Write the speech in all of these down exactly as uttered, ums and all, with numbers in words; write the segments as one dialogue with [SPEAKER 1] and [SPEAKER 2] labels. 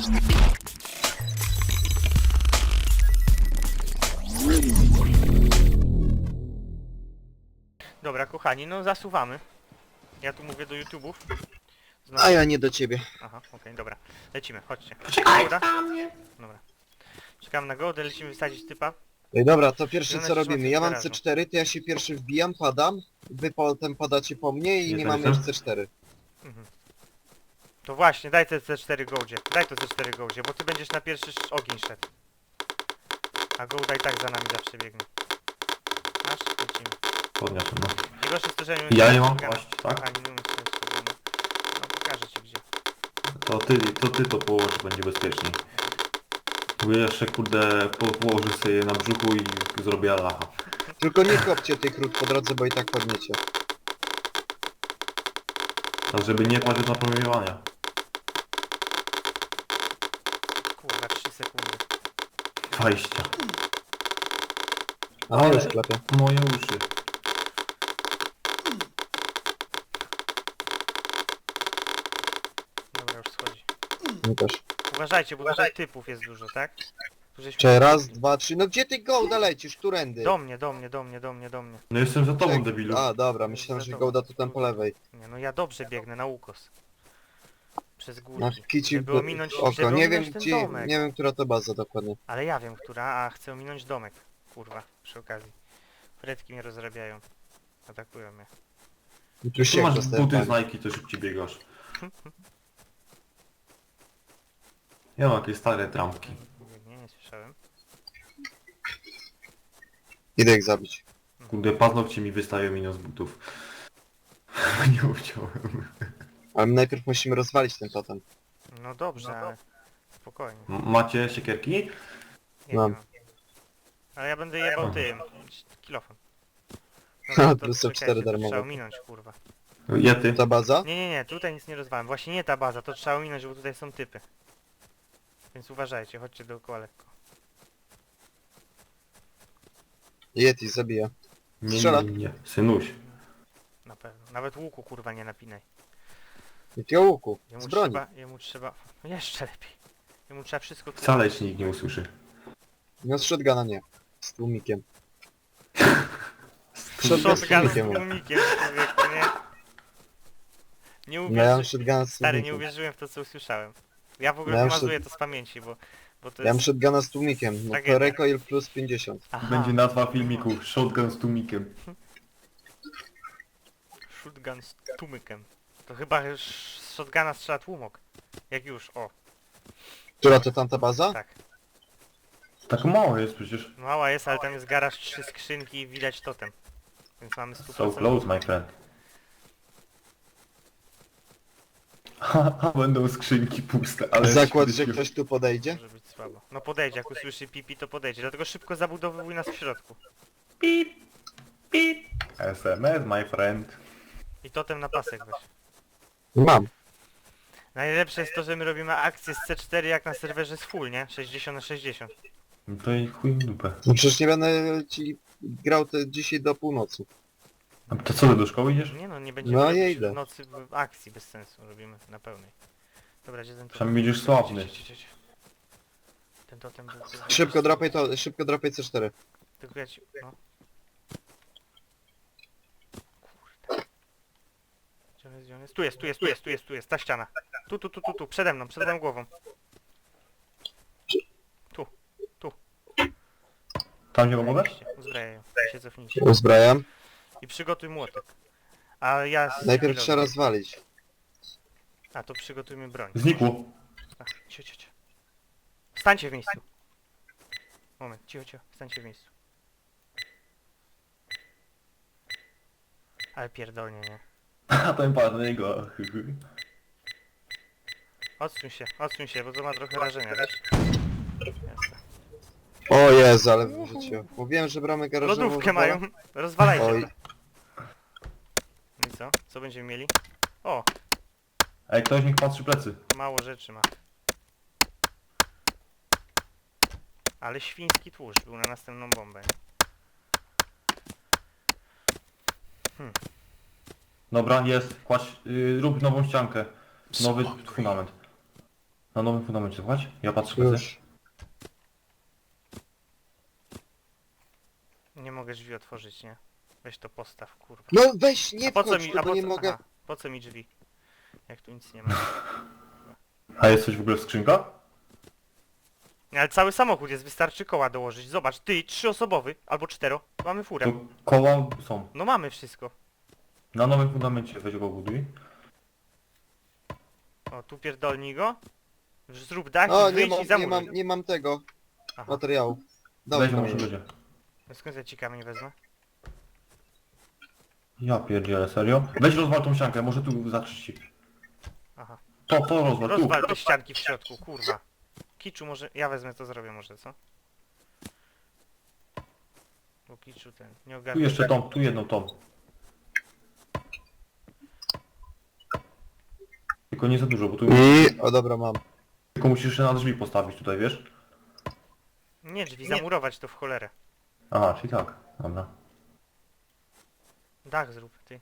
[SPEAKER 1] Dobra, kochani, no zasuwamy. Ja tu mówię do YouTube'ów. Znowu.
[SPEAKER 2] A ja nie do ciebie.
[SPEAKER 1] Aha, okej, okay, dobra. Lecimy, chodźcie.
[SPEAKER 3] Poczekaj
[SPEAKER 1] Dobra?
[SPEAKER 3] na mnie.
[SPEAKER 1] Dobra. Czekam na gołdę, lecimy wysadzić typa.
[SPEAKER 2] Ej, dobra, to
[SPEAKER 1] I
[SPEAKER 2] pierwsze
[SPEAKER 1] ona
[SPEAKER 2] co
[SPEAKER 1] się
[SPEAKER 2] robimy.
[SPEAKER 1] trzyma
[SPEAKER 2] Ja mam
[SPEAKER 1] garażu.
[SPEAKER 2] C cztery, to ja się pierwszy wbijam, padam. Wy potem padacie po mnie i
[SPEAKER 3] Nie
[SPEAKER 2] nie
[SPEAKER 3] to
[SPEAKER 2] mamy
[SPEAKER 3] jestem?
[SPEAKER 2] już C cztery.
[SPEAKER 1] Mhm. To właśnie, daj te C cztery gołdzie. Daj to C cztery gołdzie, bo ty będziesz na pierwszy sz- ogień szedł. A gołda i tak za nami zawsze biegnie. Masz? Lecimy.
[SPEAKER 3] Podniosę, no.
[SPEAKER 1] Najgorsze jest to, że
[SPEAKER 3] Ja nie mam
[SPEAKER 1] Kochani,
[SPEAKER 3] kłaść, tak?
[SPEAKER 1] nie umiem sobie zrobić. No pokażę ci gdzie.
[SPEAKER 3] To ty, to ty to położysz, będzie bezpieczniej. Bo ja jeszcze kurde po, położę sobie na brzuchu i zrobię Allaha.
[SPEAKER 2] Tylko nie kopcie tych krót po drodze, bo i tak padniecie.
[SPEAKER 3] Tak żeby nie kłaść od napromieniowania.
[SPEAKER 1] Kurwa, trzy sekundy.
[SPEAKER 3] Wejścia.
[SPEAKER 2] A już klepie.
[SPEAKER 3] Moje uszy.
[SPEAKER 1] Dobra, już schodzi.
[SPEAKER 2] Mi też.
[SPEAKER 1] Uważajcie, bo tutaj typów jest dużo, tak? Tu żeśmy-
[SPEAKER 2] Czy raz, dwa, trzy. No gdzie ty gołda lecisz? Którędy?
[SPEAKER 1] Do mnie, do mnie, do mnie, do mnie, do mnie.
[SPEAKER 3] No jestem za tobą,
[SPEAKER 2] Czek-
[SPEAKER 3] debilu.
[SPEAKER 2] A, dobra, myślałem, że gołda tu tam po lewej.
[SPEAKER 1] Nie, no ja dobrze biegnę na ukos. Przez
[SPEAKER 2] Na
[SPEAKER 1] górki.
[SPEAKER 2] kici
[SPEAKER 1] Żeby ominąć,
[SPEAKER 2] oko.
[SPEAKER 1] żeby
[SPEAKER 2] Nie
[SPEAKER 1] ominąć
[SPEAKER 2] wiem
[SPEAKER 1] ten
[SPEAKER 2] gdzie,
[SPEAKER 1] domek.
[SPEAKER 2] nie wiem która to baza dokładnie.
[SPEAKER 1] Ale ja wiem, która, a chcę ominąć domek. Kurwa, przy okazji. Fredki mnie rozrabiają. Atakują mnie.
[SPEAKER 2] I tu
[SPEAKER 3] Tu
[SPEAKER 2] się
[SPEAKER 3] masz
[SPEAKER 2] dostałem.
[SPEAKER 3] buty z Nike, to szybciej biegasz. Ja mam jakieś stare trampki.
[SPEAKER 1] Nie, nie słyszałem.
[SPEAKER 2] Idę ich zabić.
[SPEAKER 3] Kurde, paznokcie mi wystają minus butów. Nie chciałem.
[SPEAKER 2] Ale my najpierw musimy rozwalić ten totem.
[SPEAKER 1] No dobrze, ale spokojnie.
[SPEAKER 3] Macie siekierki?
[SPEAKER 1] Nie
[SPEAKER 2] Mam.
[SPEAKER 1] mam. Ale ja będę jebał
[SPEAKER 3] Aha.
[SPEAKER 1] tym. Kilofem.
[SPEAKER 2] Ha,
[SPEAKER 1] to
[SPEAKER 2] plus są
[SPEAKER 1] czekajcie,
[SPEAKER 2] cztery
[SPEAKER 1] to
[SPEAKER 2] darmowe.
[SPEAKER 1] Trzeba ominąć, kurwa.
[SPEAKER 3] Jety.
[SPEAKER 2] Ta baza?
[SPEAKER 1] Nie, nie, nie, tutaj nic nie rozwałem. Właśnie nie ta baza, to trzeba ominąć, bo tutaj są typy. Więc uważajcie, chodźcie dookoła lekko.
[SPEAKER 2] Yeti zabija.
[SPEAKER 3] Nie,
[SPEAKER 2] Strzela.
[SPEAKER 3] nie, nie. Synuś.
[SPEAKER 1] Na pewno. Nawet łuku, kurwa, nie napinaj.
[SPEAKER 2] Jakiego łuku?
[SPEAKER 1] Jemu
[SPEAKER 2] Z broni.
[SPEAKER 1] trzeba, jemu trzeba... No jeszcze lepiej. Jemu trzeba wszystko...
[SPEAKER 3] Wcale ci nikt nie usłyszy.
[SPEAKER 2] No z shotguna nie. Z tłumikiem. Shotgun z
[SPEAKER 1] Shotgun z
[SPEAKER 2] tłumikiem.
[SPEAKER 1] tłumikiem, człowieku, nie? Nie
[SPEAKER 2] No ja
[SPEAKER 1] uwierzy...
[SPEAKER 2] mam shotguna z
[SPEAKER 1] Stary, nie
[SPEAKER 2] tłumikiem.
[SPEAKER 1] uwierzyłem w to, co usłyszałem. Ja w ogóle
[SPEAKER 2] Ja mam
[SPEAKER 1] wymazuję to z pamięci, bo... bo to
[SPEAKER 2] Ja mam
[SPEAKER 1] jest...
[SPEAKER 2] shotguna z tłumikiem. No
[SPEAKER 1] Tragedia.
[SPEAKER 2] to recoil plus pięćdziesiąt.
[SPEAKER 1] Aha,
[SPEAKER 3] Będzie nazwa filmiku Shotgun z tłumikiem.
[SPEAKER 1] shotgun z tłumikiem. To chyba sz- z shotguna strzela tłumok. Jak już, o,
[SPEAKER 2] Która to tamta baza?
[SPEAKER 1] tak.
[SPEAKER 3] Tak mało jest przecież.
[SPEAKER 1] Mała jest, ale tam jest garaż, trzy skrzynki i widać totem. Więc mamy sto
[SPEAKER 3] So
[SPEAKER 1] procent.
[SPEAKER 3] close, my friend. Haha, będą skrzynki puste, ale...
[SPEAKER 2] Zakład, że ktoś tu podejdzie?
[SPEAKER 1] Może być słabo. No podejdzie, jak usłyszy pipi, to podejdzie. Dlatego szybko zabudowywuj nas w środku.
[SPEAKER 3] Pip, pip. S M S, my friend.
[SPEAKER 1] I totem na pasek weź.
[SPEAKER 2] Mam.
[SPEAKER 1] Najlepsze jest to, że my robimy akcję z C cztery jak na serwerze z full, nie? sześćdziesiąt na sześćdziesiąt.
[SPEAKER 3] No to i chuj w dupę.
[SPEAKER 2] No przecież nie będę ci grał te dzisiaj do północy.
[SPEAKER 3] A to co, ty do szkoły idziesz?
[SPEAKER 1] Nie no, nie będziemy
[SPEAKER 2] No,
[SPEAKER 1] robić
[SPEAKER 2] ja idę.
[SPEAKER 1] w nocy w akcji bez sensu. Robimy na pełnej. Dobra, gdzie ten totem?
[SPEAKER 3] Przynajmniej będziesz sławny.
[SPEAKER 1] Cie, cie, cie, cie. Ten totem był...
[SPEAKER 2] Szybko drapaj to, szybko drapaj C cztery.
[SPEAKER 1] Tylko ja ci... no. Kurde. Gdzie on jest, gdzie on jest? Tu jest, tu jest, tu jest, tu jest, tu jest, ta ściana. Tu, tu, tu, tu, tu, przede mną, przede mną głową. Tu, tu.
[SPEAKER 3] Tam gdzie pomogę?
[SPEAKER 1] Zajebiście. Uzbrajaj ją, I się cofnijcie.
[SPEAKER 2] Uzbrajam.
[SPEAKER 1] I przygotuj młotek. A ja... z-
[SPEAKER 2] Najpierw
[SPEAKER 1] chwilą-
[SPEAKER 2] trzeba rozwalić.
[SPEAKER 1] A, to przygotujmy broń.
[SPEAKER 3] Znikło.
[SPEAKER 1] A, cio, cio, cio. Stańcie w miejscu. Moment, cicho, cicho, stańcie w miejscu. Ale pierdolnie, nie?
[SPEAKER 3] A ten pan jego.
[SPEAKER 1] Odsuń się, odsuń się, bo to ma trochę rażenia, wiesz? Jasne.
[SPEAKER 2] O Jezu, ale wyrzuciłem. Mówiłem, że bramy garażową...
[SPEAKER 1] Lodówkę
[SPEAKER 2] rozwalam.
[SPEAKER 1] mają, rozwalajcie.
[SPEAKER 2] Oj.
[SPEAKER 1] No i co? Co będziemy mieli? O,
[SPEAKER 3] Ej, ktoś niech patrzy plecy.
[SPEAKER 1] mało rzeczy ma. Ale świński tłuszcz był na następną bombę. Hmm.
[SPEAKER 3] Dobra, jest. Kładź, yy, rób nową ściankę. Nowy fundament. Na nowym fundamencie, słuchać? Ja patrzę plecy.
[SPEAKER 2] Już.
[SPEAKER 1] Nie mogę drzwi otworzyć, nie? Weź to postaw, kurwa.
[SPEAKER 2] No weź, nie
[SPEAKER 1] A po co
[SPEAKER 2] wchodź,
[SPEAKER 1] mi,
[SPEAKER 2] tu,
[SPEAKER 1] a
[SPEAKER 2] bo
[SPEAKER 1] po
[SPEAKER 2] nie
[SPEAKER 1] co,
[SPEAKER 2] mogę.
[SPEAKER 1] aha, po co mi drzwi? Jak tu nic nie ma.
[SPEAKER 3] A jest coś w ogóle w skrzynkach?
[SPEAKER 1] Nie, ale cały samochód jest, wystarczy koła dołożyć. Zobacz, ty, trzyosobowy, albo cztero. Mamy furę.
[SPEAKER 3] To koła są.
[SPEAKER 1] No mamy wszystko.
[SPEAKER 3] Na nowym fundamencie weź go buduj.
[SPEAKER 1] O, tu pierdolnij go. Zrób dach
[SPEAKER 2] O,
[SPEAKER 1] i
[SPEAKER 2] nie
[SPEAKER 1] wyjdź
[SPEAKER 2] mam,
[SPEAKER 1] i
[SPEAKER 2] nie
[SPEAKER 1] zamuruj.
[SPEAKER 2] mam, nie mam tego
[SPEAKER 1] Aha,
[SPEAKER 2] materiału.
[SPEAKER 3] Weź
[SPEAKER 2] Dobra,
[SPEAKER 3] go może będzie.
[SPEAKER 1] no skąd ja ci kamień wezmę?
[SPEAKER 3] Ja pierdzielę, serio? Weź rozwal tą ściankę, może tu zatrzeć ci.
[SPEAKER 1] Aha.
[SPEAKER 3] To, to rozwal, tu.
[SPEAKER 1] Rozwal te ścianki w środku, kurwa. Kiczu może, ja wezmę to zrobię może, co? Bo Kiczu ten, nie
[SPEAKER 3] Tu
[SPEAKER 1] ogarnę.
[SPEAKER 3] jeszcze tą, tu jedną tą. Tylko nie za dużo, bo tu...
[SPEAKER 2] I... O dobra, mam.
[SPEAKER 3] Tylko musisz jeszcze na drzwi postawić tutaj, wiesz?
[SPEAKER 1] Nie drzwi, zamurować to w cholerę.
[SPEAKER 3] Aha, czyli tak. Dobra.
[SPEAKER 1] Dach zrób, ty.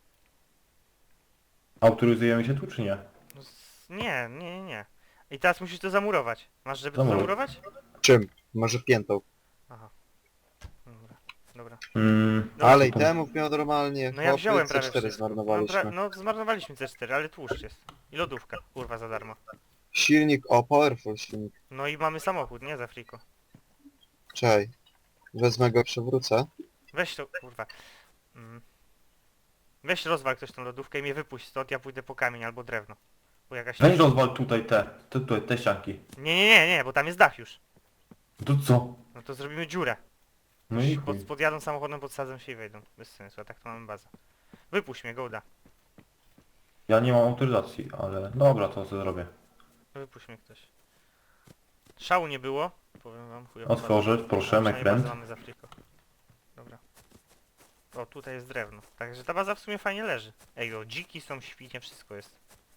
[SPEAKER 3] Autoryzujemy się tu, czy nie?
[SPEAKER 1] No, z- nie, nie, nie, nie. I teraz musisz to zamurować. Masz, żeby to
[SPEAKER 3] Zamuruj.
[SPEAKER 1] zamurować?
[SPEAKER 2] Czym? Może piętą.
[SPEAKER 1] Aha. Dobra, dobra.
[SPEAKER 3] Mm,
[SPEAKER 1] Dobra.
[SPEAKER 2] Ale i temu miał normalnie.
[SPEAKER 1] No ja wziąłem
[SPEAKER 2] C
[SPEAKER 1] prawie
[SPEAKER 2] cztery
[SPEAKER 1] wszystko. No,
[SPEAKER 2] zmarnowaliśmy.
[SPEAKER 1] pra- no zmarnowaliśmy C cztery, ale tłuszcz jest. I lodówka, kurwa, za darmo.
[SPEAKER 2] Silnik, o, powerful silnik.
[SPEAKER 1] No i mamy samochód, nie za friko.
[SPEAKER 2] Czekaj. Wezmę go, przewrócę.
[SPEAKER 1] Weź to, kurwa. Mm. Weź rozwal ktoś tą lodówkę i mnie wypuść stąd, ja pójdę po kamień albo drewno. Bo jakaś...
[SPEAKER 3] weź rozwal tutaj te, te, te, te ścianki.
[SPEAKER 1] Nie, nie, nie, nie, bo tam jest dach już.
[SPEAKER 3] To co?
[SPEAKER 1] No to zrobimy dziurę.
[SPEAKER 3] No i
[SPEAKER 1] Pod,
[SPEAKER 3] chuj.
[SPEAKER 1] podjadą samochodem, podsadzą się i wejdą. Bez sensu, a tak to mamy bazę. Wypuść mnie, gołda.
[SPEAKER 3] Ja nie mam autoryzacji, ale dobra, to co zrobię.
[SPEAKER 1] Wypuść mnie ktoś. Szału nie było, powiem wam, chujowo.
[SPEAKER 3] Otworzę, proszę, McBand.
[SPEAKER 1] mamy za friko. Dobra. O, tutaj jest drewno. Także ta baza w sumie fajnie leży. Ej, o, dziki są, świnie, wszystko jest.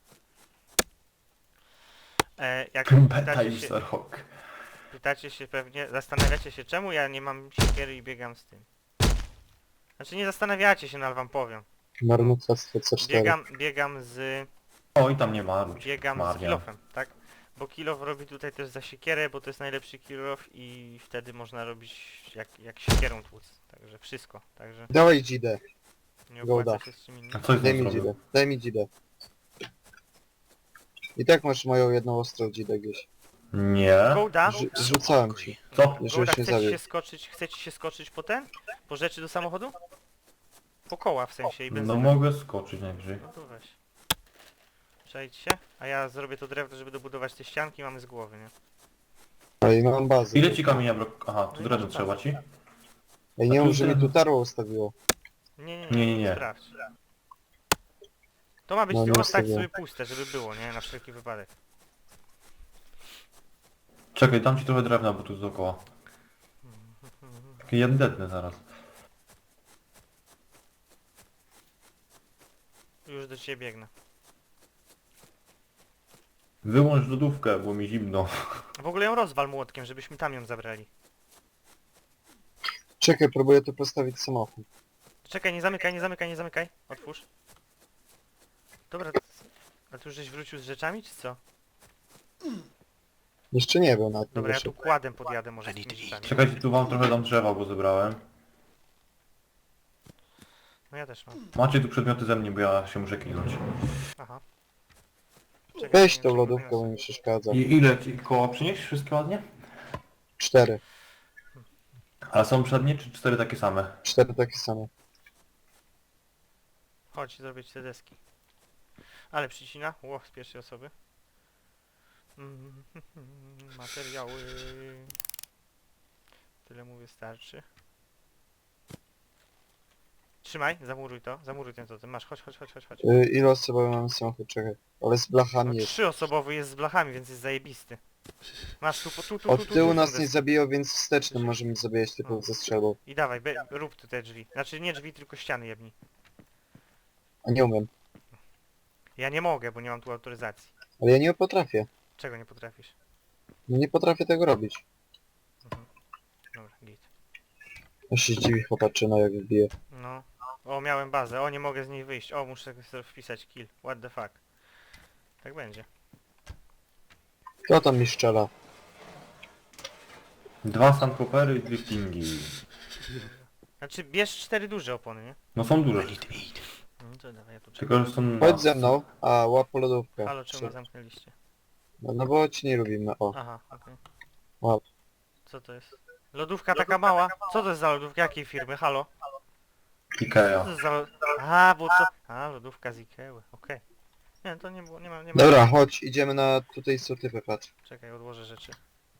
[SPEAKER 1] E, jak
[SPEAKER 3] Beta
[SPEAKER 1] pytacie się,
[SPEAKER 3] user hawk.
[SPEAKER 1] pytacie się pewnie, zastanawiacie się czemu ja nie mam siekiery i biegam z tym. Znaczy nie zastanawiacie się, no ale wam powiem.
[SPEAKER 2] Marnotrawstwo C cztery.
[SPEAKER 1] Biegam, biegam z...
[SPEAKER 3] O, i tam nie ma ludzi.
[SPEAKER 1] biegam z
[SPEAKER 3] Marnia.
[SPEAKER 1] kilofem, tak? Bo kilof robi tutaj też za siekierę, bo to jest najlepszy kilof i wtedy można robić jak, jak siekierą tłuc. Także wszystko, także
[SPEAKER 2] Dawaj dzidę.
[SPEAKER 1] nie
[SPEAKER 2] Gołda.
[SPEAKER 1] opłaca się z czym
[SPEAKER 3] A
[SPEAKER 1] innym.
[SPEAKER 3] co jest
[SPEAKER 2] Daj
[SPEAKER 3] tam
[SPEAKER 2] mi
[SPEAKER 3] zrobił?
[SPEAKER 2] dzidę. Daj mi dzidę. I tak masz moją jedną ostrą dzidę gdzieś.
[SPEAKER 3] Nie.
[SPEAKER 1] Gołda,
[SPEAKER 2] Rzu- Zrzucałem ci.
[SPEAKER 3] Co?
[SPEAKER 1] Gołda,
[SPEAKER 2] Żebyś nie
[SPEAKER 1] chce ci
[SPEAKER 2] zabił.
[SPEAKER 1] się skoczyć, chce ci się skoczyć po ten? Po rzeczy do samochodu? Po koła w sensie i
[SPEAKER 3] No
[SPEAKER 1] benzynę.
[SPEAKER 3] mogę skoczyć najwyżej.
[SPEAKER 1] No to weź. Przejdź się, a ja zrobię to drewno, żeby dobudować te ścianki, mamy z głowy, nie?
[SPEAKER 2] No i mam bazę.
[SPEAKER 3] Ile ci kamienia brak... Aha,
[SPEAKER 1] No
[SPEAKER 3] tu
[SPEAKER 1] i
[SPEAKER 3] drewno
[SPEAKER 1] masz
[SPEAKER 3] trzeba
[SPEAKER 1] bazę.
[SPEAKER 3] ci?
[SPEAKER 2] Ej, nie
[SPEAKER 3] A tu
[SPEAKER 2] mów, że mi
[SPEAKER 3] ten-
[SPEAKER 2] tu tarło ustawiło.
[SPEAKER 1] Nie, nie,
[SPEAKER 3] Nie,
[SPEAKER 1] nie,
[SPEAKER 3] nie, nie.
[SPEAKER 1] sprawdź. To ma być
[SPEAKER 2] No,
[SPEAKER 1] tylko
[SPEAKER 2] nie
[SPEAKER 1] stać
[SPEAKER 2] ustawiłem.
[SPEAKER 1] sobie puste, żeby było, nie? Na wszelki wypadek.
[SPEAKER 3] Czekaj, dam ci trochę drewna, bo tu dookoła. Takie jedne zaraz.
[SPEAKER 1] Już do ciebie biegnę.
[SPEAKER 3] Wyłącz lodówkę, bo mi zimno.
[SPEAKER 1] W ogóle ją rozwal młotkiem, żebyśmy tam ją zabrali.
[SPEAKER 2] Czekaj, próbuję tu postawić samochód.
[SPEAKER 1] Czekaj, nie zamykaj, nie zamykaj, nie zamykaj. Otwórz. Dobra, to- a tu już żeś wrócił z rzeczami, czy co?
[SPEAKER 2] Jeszcze nie wiem na tym.
[SPEAKER 1] Dobra, ja tu kładem podjadę może z tymi rzeczami.
[SPEAKER 3] Czekajcie, tu wam trochę dam drzewa, bo zebrałem.
[SPEAKER 1] No ja też mam.
[SPEAKER 3] Macie tu przedmioty ze mnie, bo ja się muszę kinąć.
[SPEAKER 1] Aha. Czekaj,
[SPEAKER 2] Weź
[SPEAKER 1] nie
[SPEAKER 2] tą
[SPEAKER 1] wiem,
[SPEAKER 2] lodówkę,
[SPEAKER 1] czego
[SPEAKER 2] bo mi przeszkadza.
[SPEAKER 3] I ile ci koła przynieść? Wszystkie ładnie?
[SPEAKER 2] Cztery.
[SPEAKER 3] A są przednie czy cztery takie same?
[SPEAKER 2] Cztery takie same.
[SPEAKER 1] Chodź, zrobić te deski. Ale przycina. Ło, z pierwszej osoby. Mm, materiały. Tyle mu wystarczy. Trzymaj, zamuruj to, zamuruj ten totem. Masz, chodź, chodź, chodź, chodź, chodź.
[SPEAKER 2] Y, ile osobowy mamy samochód? Czekaj. Ale z
[SPEAKER 1] No,
[SPEAKER 2] blachami jest.
[SPEAKER 1] trzyosobowy jest z blachami, więc jest zajebisty. Masz tu, po- tu, tu, tu, tu,
[SPEAKER 2] Od
[SPEAKER 1] tu,
[SPEAKER 2] tyłu
[SPEAKER 1] tu,
[SPEAKER 2] nas
[SPEAKER 1] tu
[SPEAKER 2] nie
[SPEAKER 1] deski.
[SPEAKER 2] zabiją, więc wstecznym możemy zabijać typu
[SPEAKER 1] O.
[SPEAKER 2] ze strzelbą.
[SPEAKER 1] I dawaj, be, rób tu te drzwi. Znaczy nie drzwi, tylko ściany jebni.
[SPEAKER 2] A nie umiem.
[SPEAKER 1] Ja nie mogę, bo nie mam tu autoryzacji.
[SPEAKER 2] Ale ja nie potrafię.
[SPEAKER 1] Czego nie potrafisz?
[SPEAKER 2] No nie potrafię tego robić.
[SPEAKER 1] Mhm. Dobra, git.
[SPEAKER 2] Ja się zdziwi chłopaczyna jak wbije.
[SPEAKER 1] No. O, miałem bazę. O, nie mogę z niej wyjść. O, muszę sobie wpisać kill. What the fuck. Tak będzie.
[SPEAKER 2] Kto tam mi strzela?
[SPEAKER 3] Dwa sandkopery i dwie stingi.
[SPEAKER 1] Znaczy, bierz cztery duże opony, nie?
[SPEAKER 3] No są duże.
[SPEAKER 1] No to dawaj, ja tu czekam.
[SPEAKER 3] Tylko, że są...
[SPEAKER 2] Chodź ze mną. A, łap po lodówkę.
[SPEAKER 1] Halo, czemu mnie zamknęliście?
[SPEAKER 2] No, no bo ci nie lubimy, o.
[SPEAKER 1] Aha, okej.
[SPEAKER 2] Łap.
[SPEAKER 1] Co to jest? Lodówka taka mała? Co to jest za lodówka? Jakiej firmy? Halo? Co
[SPEAKER 3] Ikea.
[SPEAKER 1] to jest za... lo- A, bo to... A, lodówka z Ikei, okej. Nie, to nie było, nie ma, nie ma...
[SPEAKER 2] Dobra, chodź, idziemy na... Tutaj są typy, patrz.
[SPEAKER 1] Czekaj, odłożę rzeczy.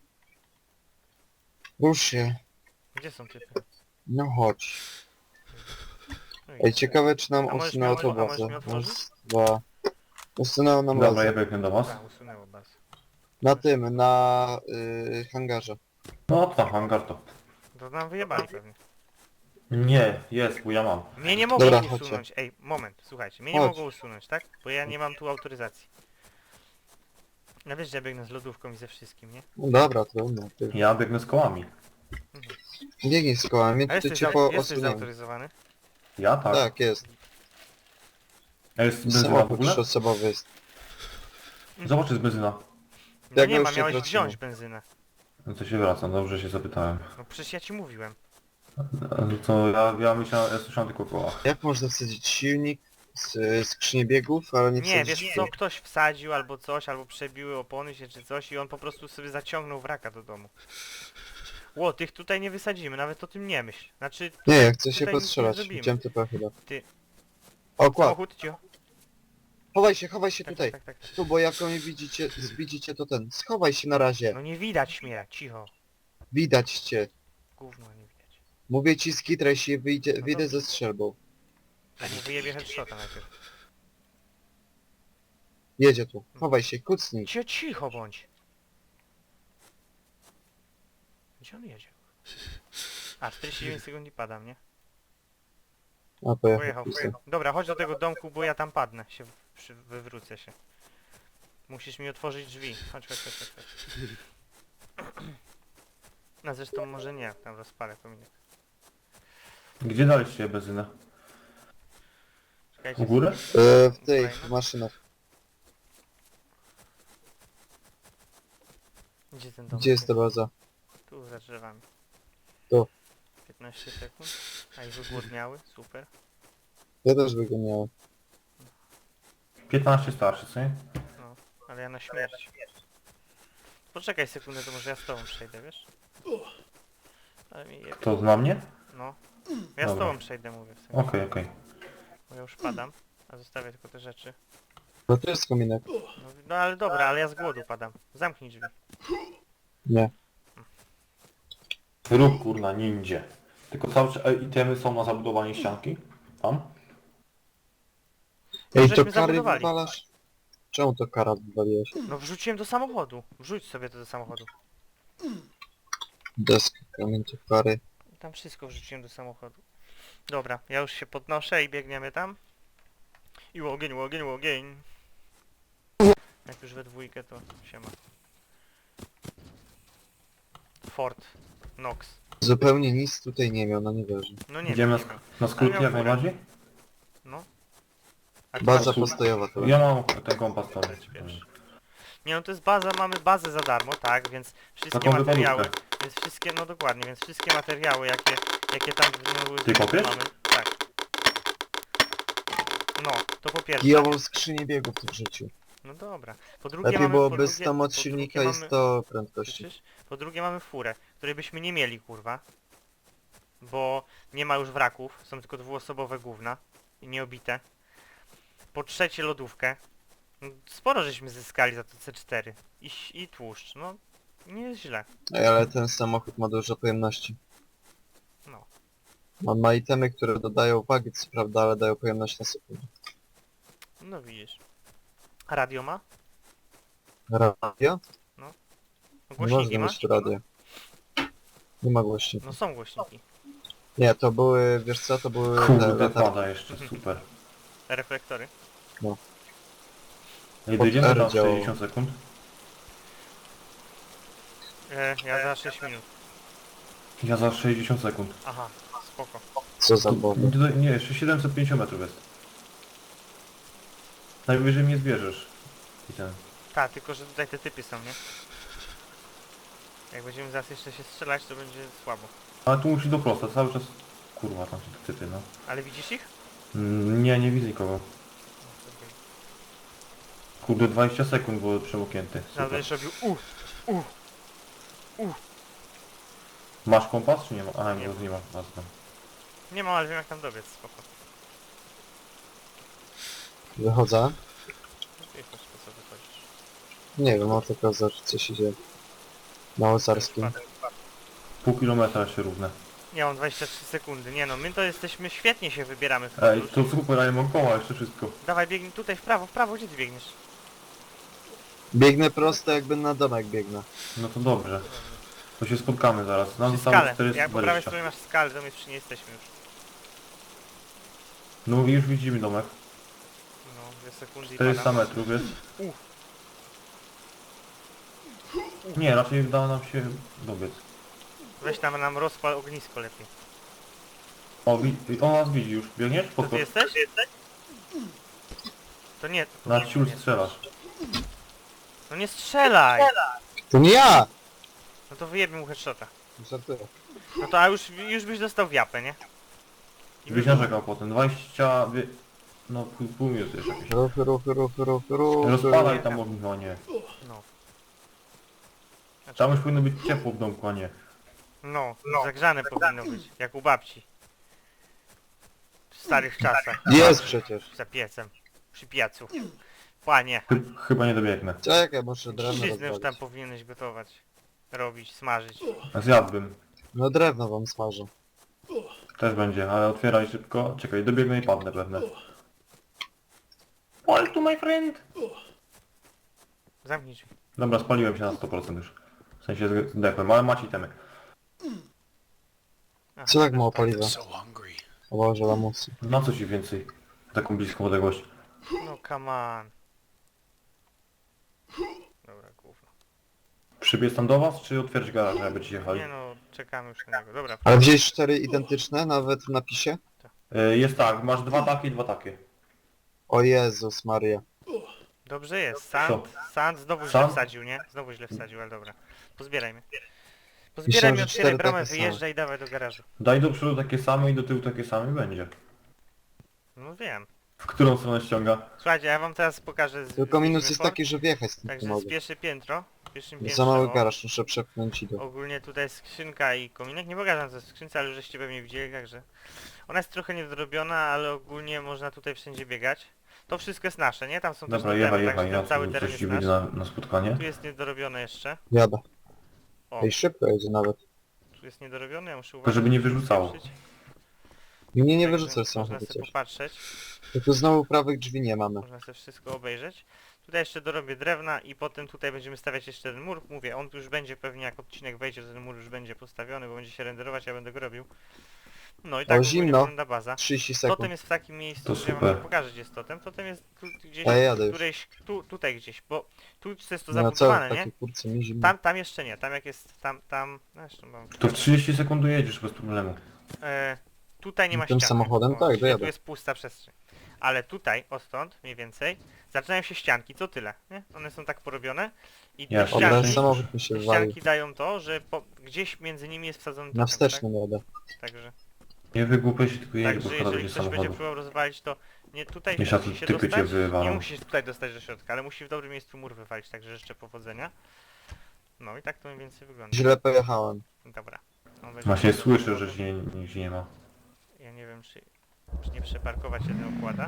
[SPEAKER 2] Rusz się.
[SPEAKER 1] Gdzie są typy?
[SPEAKER 2] No chodź.
[SPEAKER 1] No i-
[SPEAKER 2] Ej, ciekawe czy nam
[SPEAKER 1] A możesz
[SPEAKER 2] usunęło
[SPEAKER 1] mi-
[SPEAKER 2] to
[SPEAKER 1] a możesz
[SPEAKER 2] bazę.
[SPEAKER 1] mi otworzyć?
[SPEAKER 2] Raz, dwa... Usunęło nam
[SPEAKER 3] Dobra,
[SPEAKER 2] bazę.
[SPEAKER 3] ja biegnę do was.
[SPEAKER 1] Tak, usunęło baz.
[SPEAKER 2] Na tym, na y, hangarze.
[SPEAKER 3] No to hangar to.
[SPEAKER 1] To nam wyjebali pewnie.
[SPEAKER 3] Nie, jest, bo ja mam.
[SPEAKER 1] Mnie nie mogą
[SPEAKER 2] Dobra, chodźcie.
[SPEAKER 1] usunąć. Ej, moment, słuchajcie, mnie nie
[SPEAKER 2] Chodź.
[SPEAKER 1] mogą usunąć, tak? Bo ja nie mam tu autoryzacji. No wiesz, że ja biegnę z lodówką i ze wszystkim, nie?
[SPEAKER 2] No dobra, trudno. Ty.
[SPEAKER 3] Ja biegnę z kołami.
[SPEAKER 2] Biegnij z kołami,
[SPEAKER 1] A
[SPEAKER 2] to
[SPEAKER 1] jesteś,
[SPEAKER 2] cię
[SPEAKER 1] za,
[SPEAKER 2] po
[SPEAKER 1] jesteś
[SPEAKER 2] osuniemy.
[SPEAKER 1] zautoryzowany?
[SPEAKER 3] Ja tak.
[SPEAKER 2] Tak, jest.
[SPEAKER 3] A jest benzyna w
[SPEAKER 2] Samochód
[SPEAKER 3] ogóle?
[SPEAKER 2] trzyosobowy jest.
[SPEAKER 3] Zobacz, jest benzyna.
[SPEAKER 1] No
[SPEAKER 2] Jak
[SPEAKER 1] nie
[SPEAKER 2] my
[SPEAKER 1] ma,
[SPEAKER 2] już się
[SPEAKER 1] miałeś
[SPEAKER 2] tracimy.
[SPEAKER 1] wziąć benzynę.
[SPEAKER 3] No to się wracam, dobrze się zapytałem.
[SPEAKER 1] No przecież ja ci mówiłem.
[SPEAKER 3] No to ja, ja myślałem, ja słyszałem tylko o kołach.
[SPEAKER 2] Jak można wsadzić silnik, z, skrzynię biegów, ale nie
[SPEAKER 1] Nie,
[SPEAKER 2] wsadzić
[SPEAKER 1] wiesz
[SPEAKER 2] silnik?
[SPEAKER 1] co, ktoś wsadził albo coś, albo przebiły opony się czy coś i on po prostu sobie zaciągnął wraka do domu. Ło, tych tutaj nie wysadzimy, nawet o tym nie myśl. Znaczy,
[SPEAKER 2] Nie, ja chcę się
[SPEAKER 1] Tutaj nic nie
[SPEAKER 2] postrzelać.
[SPEAKER 1] zrobimy.
[SPEAKER 2] Widziałem typa chyba.
[SPEAKER 1] Ty.
[SPEAKER 2] O, kład.
[SPEAKER 1] samochód, cio.
[SPEAKER 2] Chowaj się, chowaj się
[SPEAKER 1] Tak,
[SPEAKER 2] tutaj.
[SPEAKER 1] tak, tak, tak.
[SPEAKER 2] Tu, bo jak mnie widzicie, widzicie to ten. Schowaj się na razie.
[SPEAKER 1] No nie widać mnie, cicho.
[SPEAKER 2] Widać cię.
[SPEAKER 1] Gówno nie widać.
[SPEAKER 2] Mówię ci, skitraj się, wyjdzie,
[SPEAKER 1] No
[SPEAKER 2] wyjdę
[SPEAKER 1] dobrze.
[SPEAKER 2] ze strzelbą.
[SPEAKER 1] A nie wyjebie headshota najpierw.
[SPEAKER 2] Jedzie tu. Chowaj się, kucnij.
[SPEAKER 1] Cio, cicho bądź. Gdzie on jedzie? A, czterdzieści dziewięć sekund i padam, nie?
[SPEAKER 2] A, pojechał.
[SPEAKER 1] Pojechał, pojechał. Dobra, chodź do tego domku, bo ja tam padnę. Się przy, wywrócę się. Musisz mi otworzyć drzwi. Chodź, chodź, chodź, chodź. chodź. No zresztą może nie, tam rozpalę kominek.
[SPEAKER 3] Gdzie daliście benzynę?
[SPEAKER 1] Czekajcie.
[SPEAKER 3] U góry?
[SPEAKER 2] E, w tej
[SPEAKER 1] Kolejna?
[SPEAKER 2] maszynach.
[SPEAKER 1] Gdzie ten dom?
[SPEAKER 2] Gdzie jest ta baza?
[SPEAKER 1] Tu za drzewami.
[SPEAKER 2] Tu.
[SPEAKER 1] piętnaście sekund. A i wygłodniały, super.
[SPEAKER 2] Ja też wyganiałem.
[SPEAKER 3] piętnaście starszy, co nie?
[SPEAKER 1] No, ale ja na śmierć. Poczekaj sekundę, to może ja z tobą przejdę, wiesz? Ale mi je...
[SPEAKER 3] To na mnie?
[SPEAKER 1] No. Ja z
[SPEAKER 3] Dobra.
[SPEAKER 1] tobą przejdę, mówię w sensie.
[SPEAKER 3] Okej, okej.
[SPEAKER 1] Bo ja już padam, a zostawię tylko te rzeczy.
[SPEAKER 2] No to jest kominek.
[SPEAKER 1] No, no ale dobra, ale ja z głodu padam. Zamknij drzwi.
[SPEAKER 2] Nie.
[SPEAKER 3] Rób kurna, nindzie. Tylko cały czas e, itemy są na zabudowanie ścianki? Tam?
[SPEAKER 2] Ej, to
[SPEAKER 1] żeśmy
[SPEAKER 2] kary
[SPEAKER 1] zabudowali.
[SPEAKER 2] wywalasz? Czemu to kara wywaliłeś?
[SPEAKER 1] No wrzuciłem do samochodu. Wrzuć sobie to do samochodu.
[SPEAKER 2] Deska, kamień, to kary.
[SPEAKER 1] Tam wszystko wrzuciłem do samochodu. Dobra, ja już się podnoszę i biegniemy tam. I łogień, łogień, łogień. Jak już we dwójkę to się ma. Ford. Nox.
[SPEAKER 2] Zupełnie nic tutaj nie miał, no nie wierzę.
[SPEAKER 1] No nie
[SPEAKER 3] Idziemy
[SPEAKER 1] wiem, nie
[SPEAKER 3] na,
[SPEAKER 1] wiem.
[SPEAKER 3] na skróty
[SPEAKER 1] miał
[SPEAKER 3] jak
[SPEAKER 1] furę.
[SPEAKER 3] najbardziej?
[SPEAKER 1] No. A ty
[SPEAKER 2] Baza
[SPEAKER 1] masz-
[SPEAKER 2] postojowa to.
[SPEAKER 3] Ja mam ten kompas tam.
[SPEAKER 1] Nie no to jest baza, mamy bazę za darmo, tak, więc wszystkie
[SPEAKER 3] Taką
[SPEAKER 1] materiały,
[SPEAKER 3] wypadówkę.
[SPEAKER 1] więc wszystkie, no dokładnie, więc wszystkie materiały jakie, jakie tam w nią były
[SPEAKER 3] Ty kopiesz?
[SPEAKER 1] mamy, tak. No, to po pierwsze.
[SPEAKER 2] Kijową skrzynię biegów tu wrzucił.
[SPEAKER 1] No dobra. Po drugie
[SPEAKER 2] Lepiej
[SPEAKER 1] mamy,
[SPEAKER 2] byłoby
[SPEAKER 1] po drugie,
[SPEAKER 2] sto moc
[SPEAKER 1] po
[SPEAKER 2] silnika
[SPEAKER 1] drugie
[SPEAKER 2] i
[SPEAKER 1] mamy-
[SPEAKER 2] sto prędkości.
[SPEAKER 1] Słyszysz? Po drugie mamy furę, której byśmy nie mieli, kurwa. Bo nie ma już wraków, są tylko dwuosobowe gówna i nieobite. Po trzecie lodówkę. No, sporo żeśmy zyskali za to C cztery. I, ś- i tłuszcz, no nie jest źle.
[SPEAKER 2] Ej, ale ten samochód ma dużo pojemności.
[SPEAKER 1] No.
[SPEAKER 2] On ma itemy, które dodają wagi, co prawda, ale dają pojemność na sekundę.
[SPEAKER 1] No widzisz. A radio ma?
[SPEAKER 2] Radio?
[SPEAKER 1] No,
[SPEAKER 2] Nie
[SPEAKER 1] głośniki
[SPEAKER 2] można
[SPEAKER 1] ma?
[SPEAKER 2] mieć radia. Nie ma głośników.
[SPEAKER 1] No są głośniki.
[SPEAKER 2] Nie, to były, wiesz co, to były te
[SPEAKER 3] Kurde,
[SPEAKER 2] latarki.
[SPEAKER 3] pada jeszcze, super.
[SPEAKER 1] Reflektory.
[SPEAKER 3] Ej,
[SPEAKER 2] Pod
[SPEAKER 3] dojdziemy
[SPEAKER 2] R
[SPEAKER 3] za
[SPEAKER 2] działało.
[SPEAKER 3] sześćdziesiąt sekund.
[SPEAKER 1] E, ja za sześć minut.
[SPEAKER 3] Ja za sześćdziesiąt sekund.
[SPEAKER 1] Aha, spoko.
[SPEAKER 2] Co za
[SPEAKER 3] Tu-
[SPEAKER 2] boby.
[SPEAKER 3] tutaj- Nie, jeszcze siedemset pięćdziesiąt metrów jest. Najwyżej mnie zbierzesz. I ten.
[SPEAKER 1] Tak, tylko że tutaj te typy są, nie? Jak będziemy zaraz jeszcze się strzelać, to będzie słabo.
[SPEAKER 3] Ale tu musi do prosta, cały czas... Kurwa, tam są te typy, no.
[SPEAKER 1] Ale widzisz ich?
[SPEAKER 3] Mm, nie, nie widzę nikogo.
[SPEAKER 1] No, to okej.
[SPEAKER 3] Kurde, dwadzieścia sekund było przemoknięty.
[SPEAKER 1] Zaraz
[SPEAKER 3] Super.
[SPEAKER 1] będziesz robił uh, uh.
[SPEAKER 3] Masz kompas czy nie ma? Aha,
[SPEAKER 1] Nie
[SPEAKER 3] nie,
[SPEAKER 1] mam.
[SPEAKER 3] nie ma. Jasne.
[SPEAKER 1] Nie mam, ale wiem jak tam dobiec, spoko.
[SPEAKER 2] Wychodzę.
[SPEAKER 1] Wiesz po co wychodzisz.
[SPEAKER 2] Nie wiem, o tylko za co się dzieje. Na Łosarskim.
[SPEAKER 1] Spadek.
[SPEAKER 3] Pół kilometra jeszcze równe.
[SPEAKER 1] Nie, mam dwadzieścia trzy sekundy. Nie no, my to jesteśmy, świetnie się wybieramy w
[SPEAKER 3] Ej,
[SPEAKER 1] podróż.
[SPEAKER 3] to super, ale mam koła jeszcze wszystko.
[SPEAKER 1] Dawaj, biegnij tutaj w prawo, w prawo, gdzie ty biegniesz?
[SPEAKER 2] Biegnę prosto, jakby na domek biegnę.
[SPEAKER 3] No to dobrze. To się spotkamy zaraz. Nam
[SPEAKER 1] Przy
[SPEAKER 3] zostało
[SPEAKER 1] skale.
[SPEAKER 3] czterysta
[SPEAKER 1] Jak po prawej
[SPEAKER 3] dwadzieścia.
[SPEAKER 1] stronie masz skalę, to my przy nie jesteśmy już.
[SPEAKER 3] No i już widzimy domek.
[SPEAKER 1] No, dwie sekundy i
[SPEAKER 3] czterysta
[SPEAKER 1] padam.
[SPEAKER 3] metrów jest.
[SPEAKER 1] Uff.
[SPEAKER 3] Nie, raczej udało nam się dobiec.
[SPEAKER 1] Weź tam nam rozpal ognisko lepiej.
[SPEAKER 3] O, wi- on nas widzi już. Biegniesz?
[SPEAKER 1] To ty
[SPEAKER 3] Podchodź.
[SPEAKER 1] jesteś? To nie...
[SPEAKER 3] Na
[SPEAKER 1] nie,
[SPEAKER 3] ciul
[SPEAKER 1] nie.
[SPEAKER 3] strzelasz.
[SPEAKER 1] No nie strzelaj!
[SPEAKER 2] To nie ja!
[SPEAKER 1] No to wyjebie mu headshota.
[SPEAKER 2] Żartuję.
[SPEAKER 1] No to a już, już byś dostał w japę, nie? I
[SPEAKER 3] Byś
[SPEAKER 1] by-
[SPEAKER 3] narzekał potem. dwadzieścia... wie- No pół, pół minuty jeszcze jakieś.
[SPEAKER 2] Ruchy, ruchy, ruchy, ruchy, ruchy.
[SPEAKER 3] Rozpalaj tam ognisko, a nie.
[SPEAKER 1] No. Znaczy,
[SPEAKER 3] Tam już powinno być ciepło w domku, a nie.
[SPEAKER 1] no, zagrzane powinno być, jak u babci. W starych czasach,
[SPEAKER 2] Jest przecież.
[SPEAKER 1] za piecem, przy piecu. Panie,
[SPEAKER 3] Chy- Chyba nie dobiegnę.
[SPEAKER 2] Czekaj, muszę drewno
[SPEAKER 1] trzcizny już tam
[SPEAKER 2] rozwalić.
[SPEAKER 1] powinieneś gotować, robić, smażyć.
[SPEAKER 3] Zjadłbym.
[SPEAKER 2] No drewno wam smażę.
[SPEAKER 3] Też będzie, ale otwieraj szybko. Czekaj, dobiegnę i padnę pewnie. All to my friend!
[SPEAKER 1] Zamknij drzwi.
[SPEAKER 3] Dobra, spaliłem się na sto procent już. W sensie zdechłem, ale macie itemy.
[SPEAKER 1] Aha,
[SPEAKER 2] Co tak mało paliwa?
[SPEAKER 4] So hungry.
[SPEAKER 2] O Boże, lamusy.
[SPEAKER 3] Na co ci więcej? Taką bliską odległość.
[SPEAKER 1] No come on. Dobra, gówno.
[SPEAKER 3] Przybiec tam do was, czy otwierać garaż, żeby ci jechali?
[SPEAKER 1] Nie no, czekamy już na niego. Dobra,
[SPEAKER 2] Ale wziąłeś cztery identyczne, nawet w napisie?
[SPEAKER 3] Y, Jest tak, masz dwa takie i dwa takie.
[SPEAKER 2] O Jezus Maria.
[SPEAKER 1] dobrze jest. Sand, sand znowu źle
[SPEAKER 3] Sand?
[SPEAKER 1] wsadził, nie? Znowu źle wsadził, ale dobra. Pozbierajmy.
[SPEAKER 2] Myślałem,
[SPEAKER 1] Pozbierajmy,
[SPEAKER 2] że
[SPEAKER 1] otwieraj
[SPEAKER 2] cztery
[SPEAKER 1] bramę,
[SPEAKER 2] takie same.
[SPEAKER 1] wyjeżdżaj i dawaj do garażu.
[SPEAKER 3] Daj do przodu takie same i do tyłu takie same i będzie.
[SPEAKER 1] No wiem.
[SPEAKER 3] W którą stronę ściąga?
[SPEAKER 1] Słuchajcie, ja wam teraz pokażę... z-
[SPEAKER 2] Tylko minus
[SPEAKER 1] z-
[SPEAKER 2] jest
[SPEAKER 1] for-
[SPEAKER 2] taki, że wjechać z tym nie
[SPEAKER 1] Także
[SPEAKER 2] mogę.
[SPEAKER 1] z pierwsze piętro. W pierwszym
[SPEAKER 2] Za
[SPEAKER 1] piętrze,
[SPEAKER 2] mały
[SPEAKER 1] o,
[SPEAKER 2] garaż, muszę przepchnąć i do...
[SPEAKER 1] ogólnie tutaj jest skrzynka i kominek. Nie pokażę co jest w skrzynce, ale już żeście pewnie widzieli, także... Ona jest trochę niedorobiona, ale ogólnie można tutaj wszędzie biegać. To wszystko jest nasze, nie? Tam są też
[SPEAKER 3] Dobra,
[SPEAKER 1] totemy,
[SPEAKER 3] jechaj,
[SPEAKER 1] także
[SPEAKER 3] jechaj,
[SPEAKER 1] ten
[SPEAKER 3] ja
[SPEAKER 1] cały
[SPEAKER 3] tu
[SPEAKER 1] teren
[SPEAKER 3] coś
[SPEAKER 1] jest
[SPEAKER 3] ci
[SPEAKER 1] nasz.
[SPEAKER 3] wyjdzie na, na spotkanie.
[SPEAKER 1] Tu jest niedorobione jeszcze.
[SPEAKER 2] Jadę.
[SPEAKER 1] O,
[SPEAKER 2] Ej, szybko jedzie nawet.
[SPEAKER 1] tu jest niedorobione, ja muszę
[SPEAKER 3] Tylko
[SPEAKER 1] uważać.
[SPEAKER 3] żeby nie
[SPEAKER 1] żeby
[SPEAKER 3] wyrzucało.
[SPEAKER 1] spieprzyć.
[SPEAKER 2] Mnie nie
[SPEAKER 1] Także
[SPEAKER 2] wyrzucasz
[SPEAKER 1] Można
[SPEAKER 2] samochodu
[SPEAKER 1] sobie
[SPEAKER 2] coś.
[SPEAKER 1] popatrzeć,
[SPEAKER 2] Tylko znowu prawych drzwi nie mamy.
[SPEAKER 1] można sobie wszystko obejrzeć. Tutaj jeszcze dorobię drewna i potem tutaj będziemy stawiać jeszcze ten mur. Mówię, on tu już będzie pewnie jak odcinek wejdzie, to ten mur już będzie postawiony, bo będzie się renderować, ja będę go robił. No i tak ogólnie
[SPEAKER 2] zimno.
[SPEAKER 1] wygląda baza.
[SPEAKER 2] trzydzieści
[SPEAKER 1] Totem
[SPEAKER 2] sekund.
[SPEAKER 1] jest w takim miejscu,
[SPEAKER 3] To
[SPEAKER 1] że ja wam
[SPEAKER 3] super.
[SPEAKER 1] nie pokażę gdzie jest totem. Totem jest tu, gdzieś,
[SPEAKER 2] Ja jadę już.
[SPEAKER 1] którejś, tu, tutaj gdzieś, bo tu jest to
[SPEAKER 2] No co,
[SPEAKER 1] zabudowane, nie?
[SPEAKER 2] takie kurce mi zimno.
[SPEAKER 1] Tam, tam jeszcze nie, tam jak jest, tam, tam, no jeszcze mam...
[SPEAKER 3] To w trzydzieści sekund dojedziesz bez problemu.
[SPEAKER 1] E, tutaj nie ma
[SPEAKER 2] Tym
[SPEAKER 1] ściany.
[SPEAKER 2] samochodem?
[SPEAKER 1] O,
[SPEAKER 2] Tak,
[SPEAKER 1] czyli
[SPEAKER 2] dojadę.
[SPEAKER 1] Tu jest pusta przestrzeń. Ale tutaj, odtąd mniej więcej, zaczynają się ścianki, co tyle, nie? One są tak porobione i te
[SPEAKER 3] Jasne.
[SPEAKER 2] Od razu
[SPEAKER 1] ścianki,
[SPEAKER 2] samochód mi się
[SPEAKER 1] te
[SPEAKER 2] wywalił.
[SPEAKER 1] ścianki dają to, że po, gdzieś między nimi jest wsadzony
[SPEAKER 2] Na
[SPEAKER 1] totem,
[SPEAKER 2] wstecznym jadę.
[SPEAKER 1] tak? Także,
[SPEAKER 3] Nie wygłupiaj się, tylko jedź, bo
[SPEAKER 1] także
[SPEAKER 3] szkoda
[SPEAKER 1] jeżeli
[SPEAKER 3] będzie
[SPEAKER 1] ktoś będzie
[SPEAKER 3] samochodu.
[SPEAKER 1] próbował rozwalić, to nie tutaj
[SPEAKER 3] Jeszcze
[SPEAKER 1] musi się
[SPEAKER 3] typy cię
[SPEAKER 1] dostać, nie
[SPEAKER 3] wywalą.
[SPEAKER 1] musi się tutaj dostać do środka, ale musi w dobrym miejscu mur wywalić, także życzę powodzenia. No i tak to mniej więcej wygląda.
[SPEAKER 2] Źle pojechałem.
[SPEAKER 1] Dobra. On będzie-
[SPEAKER 3] Właśnie słyszę, że się nie, nigdzie nie ma.
[SPEAKER 1] Ja nie wiem, czy, czy nie przeparkować się ten układa.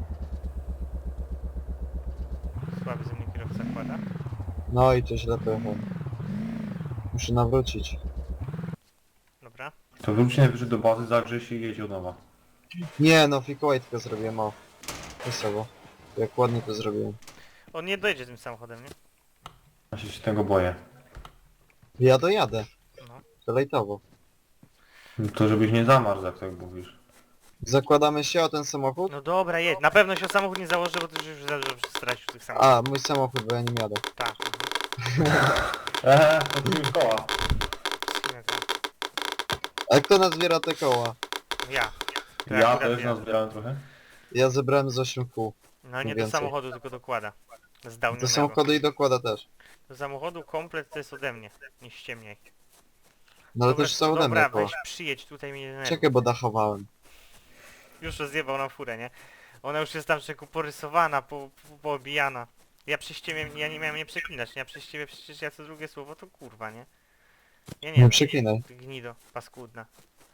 [SPEAKER 1] Słaby ze mnie kierowca kłada.
[SPEAKER 2] No i to źle pojechałem. Muszę nawrócić.
[SPEAKER 1] Dobra.
[SPEAKER 3] To wróć najwyżej do bazy, zagrzej się i jedź od nowa.
[SPEAKER 2] Nie no, fikołaj tylko zrobiłem, o. Wesoło. Jak ładnie to zrobiłem.
[SPEAKER 1] On nie dojedzie tym samochodem, nie?
[SPEAKER 3] Ja się tego boję.
[SPEAKER 2] Ja dojadę.
[SPEAKER 1] No.
[SPEAKER 2] To lejtowo.
[SPEAKER 3] To żebyś nie zamarzł, jak tak mówisz.
[SPEAKER 2] Zakładamy się o ten samochód?
[SPEAKER 1] No dobra, jedź. Na pewno się o samochód nie założy, bo ty już za dużo stracił tych samochodów.
[SPEAKER 2] A, mój samochód, bo ja nim jadę.
[SPEAKER 1] Tak.
[SPEAKER 3] Eee, to tu już koła.
[SPEAKER 1] Mhm.
[SPEAKER 2] A kto nazbiera te koła?
[SPEAKER 1] Ja. To
[SPEAKER 3] Ja
[SPEAKER 1] akurat
[SPEAKER 3] też
[SPEAKER 1] ja.
[SPEAKER 3] nazbierałem trochę.
[SPEAKER 2] Ja zebrałem z osiem kół.
[SPEAKER 1] No nie do
[SPEAKER 2] więcej.
[SPEAKER 1] samochodu, tylko dokłada.
[SPEAKER 2] Do
[SPEAKER 1] Zdałnionego.
[SPEAKER 2] samochodu i dokłada też.
[SPEAKER 1] Do samochodu komplet to jest ode mnie. Nie ściemniaj.
[SPEAKER 2] No ale
[SPEAKER 1] Dobra,
[SPEAKER 2] też są ode
[SPEAKER 1] dobra,
[SPEAKER 2] mnie, bo...
[SPEAKER 1] weź przyjedź tutaj mnie nie denerwuj.
[SPEAKER 2] Czekaj, bo dachowałem.
[SPEAKER 1] Już rozjebał nam furę, nie? Ona już jest tam człowieku porysowana, po, po, poobijana. Ja przez ciebie, ja nie miałem nie przeklinać, nie? Ja przez ciebie przecież ja co drugie słowo to kurwa, nie? Ja nie
[SPEAKER 2] Nie
[SPEAKER 1] wiem,
[SPEAKER 2] przeklinaj.
[SPEAKER 1] ty gnido, paskudna.